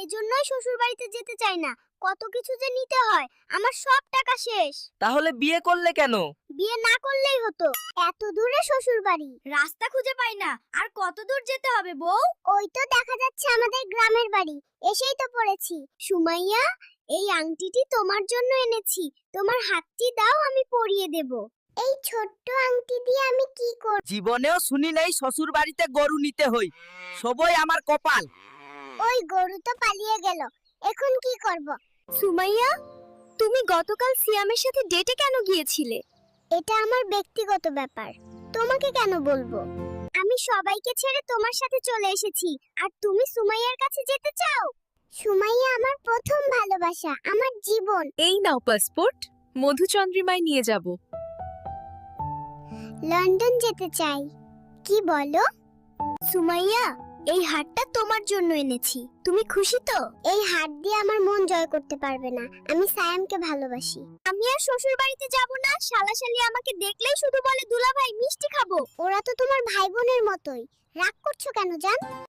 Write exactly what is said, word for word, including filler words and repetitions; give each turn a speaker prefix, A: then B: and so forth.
A: এজন্যই শ্বশুর বাড়িতে যেতে চাই না। কত কিছু যে নিতে হয়, আমার সব টাকা শেষ।
B: তাহলে বিয়ে করলে কেন?
A: বিয়ে না করলেই হতো। এত দূরে শ্বশুর বাড়ি, রাস্তা খুঁজে পাই না। আর কত দূর যেতে হবে বউ? ওই তো দেখা যাচ্ছে আমাদের গ্রামের বাড়ি, এসেই তো পড়েছি। সুমাইয়া, এই আংটিটি তোমার জন্য এনেছি। তোমার হাতটি দাও, আমি পরিয়ে দেব। এই ছোট্ট আংটি দিয়ে আমি কি করব?
B: জীবনেও শুনি নাই শ্বশুর বাড়িতে গরু নিতে হই। সবই আমার কপাল।
A: ওই গরু তো পালিয়ে গেল, এখন কি করব? সুমাইয়া, তুমি গতকাল সিয়ামের সাথে ডেটে কেন গিয়েছিলে? এটা আমার ব্যক্তিগত ব্যাপার, তোমাকে কেন বলবো? আমি সবাইকে ছেড়ে তোমার সাথে চলে এসেছি, আর তুমি সুমাইয়ার কাছে যেতে চাও? সুমাইয়া আমার প্রথম ভালোবাসা, আমার জীবন।
C: এই নাও পাসপোর্ট, মধুচন্দ্রিমায় নিয়ে যাব।
A: লন্ডন যেতে চাই। কি বলো? সুমাইয়া, এই হারটা তোমার জন্য এনেছি। তুমি খুশি তো? এই হার দিয়ে আমার মন জয় করতে পারবে না। আমি সায়ামকে ভালোবাসি। আমি আর শ্বশুর বাড়িতে যাব না। শালাশালি আমাকে দেখলেই শুধু বলে দুলাভাই মিষ্টি খাবো। ওরা তো তোমার ভাই বোনের মতোই। রাগ করছো কেন জান?